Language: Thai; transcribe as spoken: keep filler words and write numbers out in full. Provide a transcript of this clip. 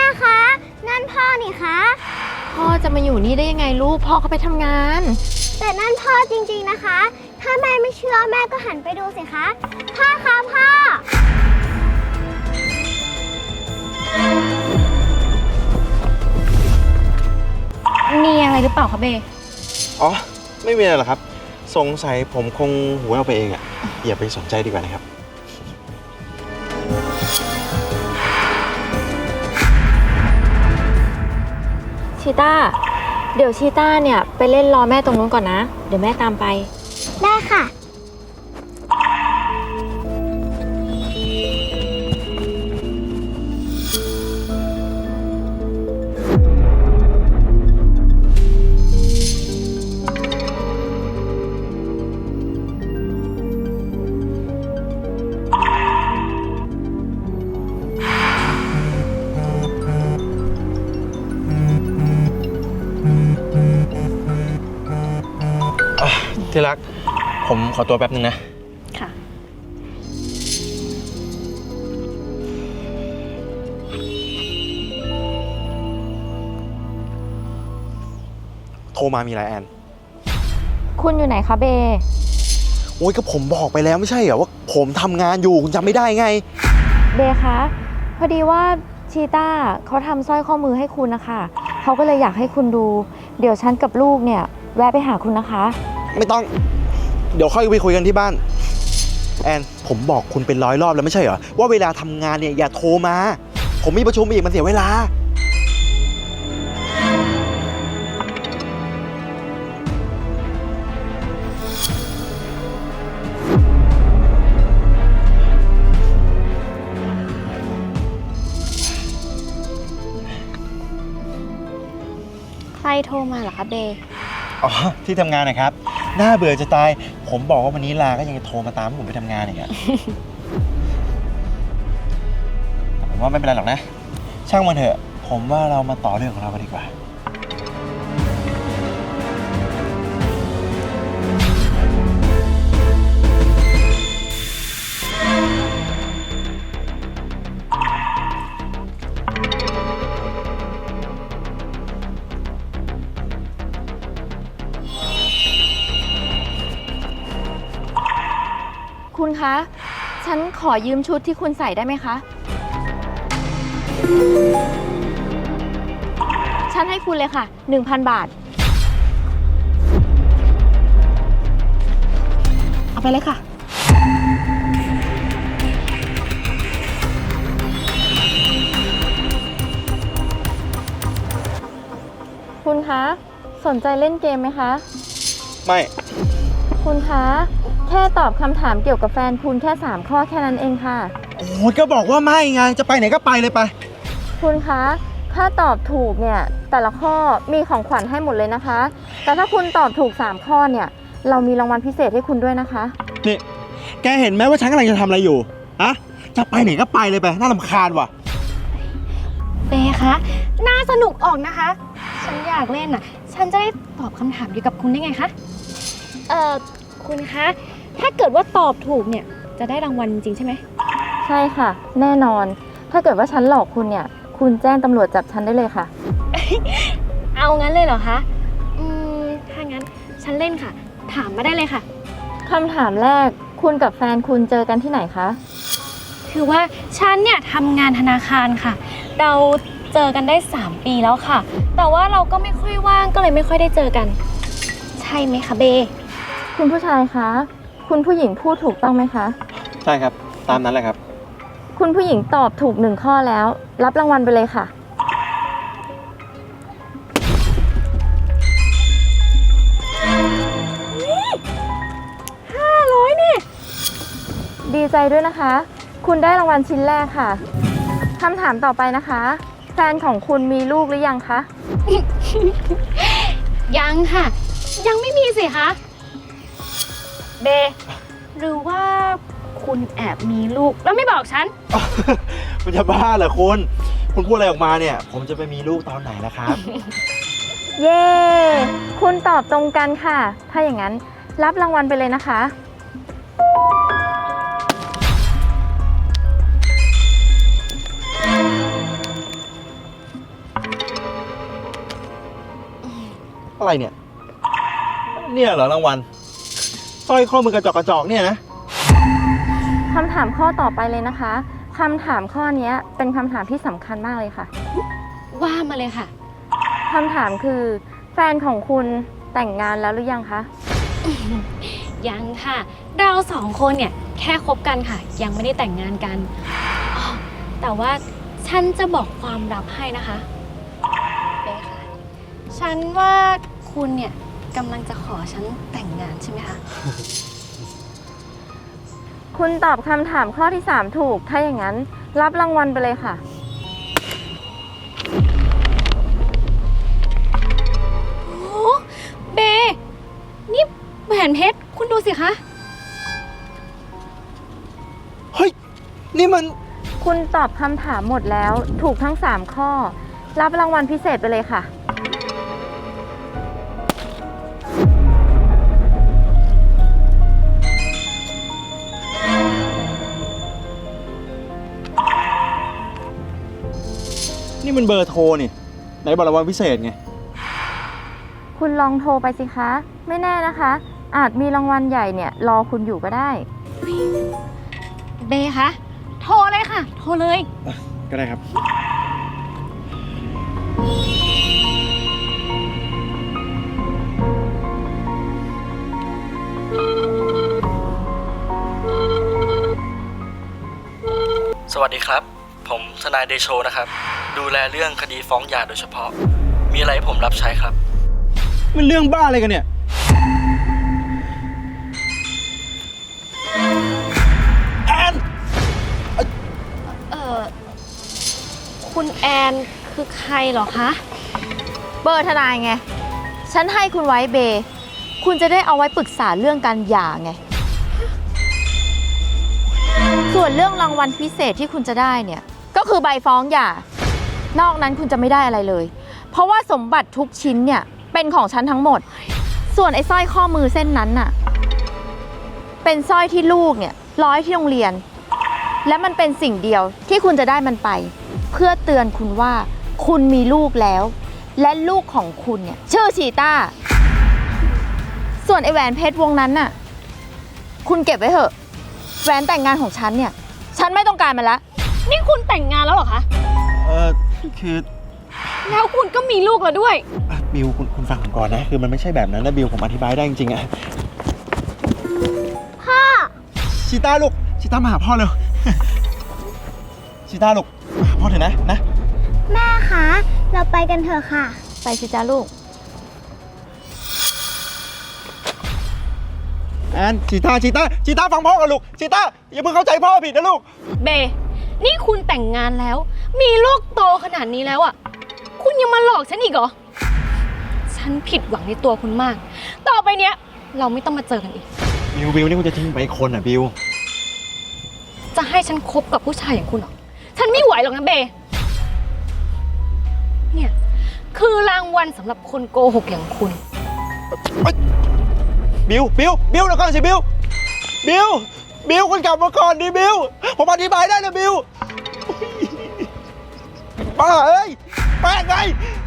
คะนั่นพ่อนี่คะพ่อจะมาอยู่นี่ได้ยังไงลูกพ่อเขาไปทำงานแต่นั่นพ่อจริงๆนะคะถ้าแม่ไม่เชื่อแม่ก็หันไปดูสิคะพ่อคะพ่อมีอะไรหรือเปล่าคะเบอ๋อไม่มีอะไรหรอกครับสงสัยผมคงหูแว่วไปเองอ่ะอย่าไปสนใจดีกว่านะครับชีต้าเดี๋ยวชีต้าเนี่ยไปเล่นรอแม่ตรงนู้นก่อนนะเดี๋ยวแม่ตามไปได้ค่ะที่รักผมขอตัวแป๊บนึงนะค่ะโทรมามีอะไรแอนคุณอยู่ไหนคะเบโอ้ยก็ผมบอกไปแล้วไม่ใช่เหรอว่าผมทำงานอยู่คุณจำไม่ได้ไงเบคะพอดีว่าชีต้าเขาทำสร้อยข้อมือให้คุณนะคะเขาก็เลยอยากให้คุณดูเดี๋ยวฉันกับลูกเนี่ยแวะไปหาคุณนะคะไม่ต้องเดี๋ยวค่อยไปคุยกันที่บ้านแอนผมบอกคุณเป็นร้อยรอบแล้วไม่ใช่เหรอว่าเวลาทำงานเนี่ยอย่าโทรมาผมมีประชุมอีกมันเสียเวลาใครโทรมาเหรอคะเบอ๋อที่ทำงานนะครับน่าเบื่อจะตายผมบอกว่าวันนี้ลาก็ยังจะโทรมาตามผมไปทำงานอีกอะแต่ผมว่าไม่เป็นไรหรอกนะช่างมันเถอะผมว่าเรามาต่อเรื่องของเรากันดีกว่าคุณคะฉันขอยืมชุดที่คุณใส่ได้ไหมคะฉันให้คุณเลยค่ะ หนึ่งพัน บาทเอาไปเลยค่ะคุณคะสนใจเล่นเกมไหมคะไม่คุณคะแค่ตอบคำถามเกี่ยวกับแฟนคุณแค่สามข้อแค่นั้นเองค่ะโอ้ยก็บอกว่าไม่ไงจะไปไหนก็ไปเลยไปคุณคะถ้าตอบถูกเนี่ยแต่ละข้อมีของขวัญให้หมดเลยนะคะแต่ถ้าคุณตอบถูกสามข้อเนี่ยเรามีรางวัลพิเศษให้คุณด้วยนะคะนี่แกเห็นไหมว่าฉันกำลังจะทำอะไรอยู่อะจะไปไหนก็ไปเลยไปน่ารำคาญว่ะเบคะน่าสนุกออกนะคะฉันอยากเล่นอ่ะฉันจะได้ตอบคำถามเดียวกับคุณได้ไงคะเอ่อคุณคะถ้าเกิดว่าตอบถูกเนี่ยจะได้รางวัลจริงใช่ไหมใช่ค่ะแน่นอนถ้าเกิดว่าฉันหลอกคุณเนี่ยคุณแจ้งตำรวจจับฉันได้เลยค่ะเอางั้นเลยเหรอคะอืมถ้างั้นฉันเล่นค่ะถามมาได้เลยค่ะคำถามแรกคุณกับแฟนคุณเจอกันที่ไหนคะคือว่าฉันเนี่ยทำงานธนาคารค่ะเราเจอกันได้สามปีแล้วค่ะแต่ว่าเราก็ไม่ค่อยว่างก็เลยไม่ค่อยได้เจอกันใช่ไหมคะเบคุณผู้ชายคะคุณผู้หญิงพูดถูกต้องไหมคะใช่ครับตามนั้นแหละครับคุณผู้หญิงตอบถูกหนึ่งข้อแล้วรับรางวัลไปเลยค่ะห้าร้อยนี่ดีใจด้วยนะคะคุณได้รางวัลชิ้นแรกค่ะคำถามต่อไปนะคะแฟนของคุณมีลูกหรือยังคะยังค่ะยังไม่มีสิคะเบหรือว่าคุณแอบมีลูกแล้วไม่บอกฉันคุณจะบ้าเหรอคุณคุณพูดอะไรออกมาเนี่ยผมจะไปมีลูกตอนไหนล่ะครับเย้คุณตอบตรงกันค่ะถ้าอย่างนั้นรับรางวัลไปเลยนะคะอะไรเนี่ย เนี่ยเหรอรางวัลสร้อยข้อมือกระจอกกระจอกเนี่ยนะคำถามข้อต่อไปเลยนะคะคำถามข้อนี้เป็นคำถามที่สำคัญมากเลยค่ะว่ามาเลยค่ะคำถามคือแฟนของคุณแต่งงานแล้วหรือยังคะยังค่ะ เราสองคนเนี่ยแค่คบกันค่ะ ยังไม่ได้แต่งงานกันอ๋อแต่ว่าฉันจะบอกความลับให้นะคะเบค่ะ ฉันว่าคุณเนี่ยกำลังจะขอฉันแต่งงานใช่ไหมคะคุณตอบคำถามข้อที่สามถูก ถ้าอย่างนั้นรับรางวัลไปเลยค่ะโอ้เบ นี่แหวนเพชร คุณดูสิคะเฮ้ย นี่มันคุณตอบคำถามหมดแล้วถูกทั้งสามข้อ รับรางวัลพิเศษไปเลยค่ะนี่มันเบอร์โทรนี่ไหนบอกรางวัลพิเศษไงคุณลองโทรไปสิคะ ไม่แน่นะคะ อาจมีรางวัลใหญ่เนี่ยรอคุณอยู่ก็ได้เบคะ โทรเลยค่ะ โทรเลยก็ได้ครับสวัสดีครับ ผมทนายเดโชนะครับ ดูแลเรื่องคดีฟ้องหย่าโดยเฉพาะ มีอะไรให้ผมรับใช้ครับมันเรื่องบ้าอะไรกันเนี่ย แอนเออคุณแอนคือใครเหรอคะเบอร์ทนายไง ฉันให้คุณไว้เบ คุณจะได้เอาไว้ปรึกษาเรื่องการหย่าไง ส่วนเรื่องรางวัลพิเศษที่คุณจะได้เนี่ย ก็คือใบฟ้องหย่า นอกนั้นคุณจะไม่ได้อะไรเลย เพราะว่าสมบัติทุกชิ้นเนี่ยเป็นของฉันทั้งหมด ส่วนไอ้สร้อยข้อมือเส้นนั้นน่ะ เป็นสร้อยที่ลูกเนี่ยร้อยที่โรงเรียน และมันเป็นสิ่งเดียวที่คุณจะได้มันไป เพื่อเตือนคุณว่าคุณมีลูกแล้ว และลูกของคุณเนี่ยชื่อชีต้า ส่วนไอแหวนเพชรวงนั้นน่ะ คุณเก็บไว้เถอะแหวนแต่งงานของฉันเนี่ย ฉันไม่ต้องการมันละนี่คุณแต่งงานแล้วเหรอคะเออคือแล้วคุณก็มีลูกแล้วด้วยอ่ะบิวคุณคุณฟังผมก่อนนะ คือมันไม่ใช่แบบนั้นนะบิวผมอธิบายได้จริงๆอะพ่อชีต้าลูกชีต้ามาหาพ่อเร็ว ชีต้าลูกมาหาพ่อเถอะนะนะแม่คะ เราไปกันเถอะค่ะไปสิจ้าลูกแอนชีต้าชีต้าชีต้าฟังพ่อกันลูกชีต้าอย่าเพิ่งเข้าใจพ่อผิดนะลูกเบ นี่คุณแต่งงานแล้ว มีลูกโตขนาดนี้แล้วอ่ะ คุณยังมาหลอกฉันอีกเหรอ ฉันผิดหวังในตัวคุณมาก ต่อไปเนี้ย เราไม่ต้องมาเจอกันอีกบิวบิวนี่คุณจะทิ้งไปอีกคนอ่ะบิวจะให้ฉันคบกับผู้ชายอย่างคุณเหรอ ฉันไม่ไหวหรอกนะเบ เนี่ย คือรางวัลสำหรับคนโกหกอย่างคุณบิวบิวบิวเดี๋ยวก่อนสิบิวบิวบิวคุณกลับมาก่อนดิบิวผมอธิบายได้นะบิวป้าเอ้ยแป้งไง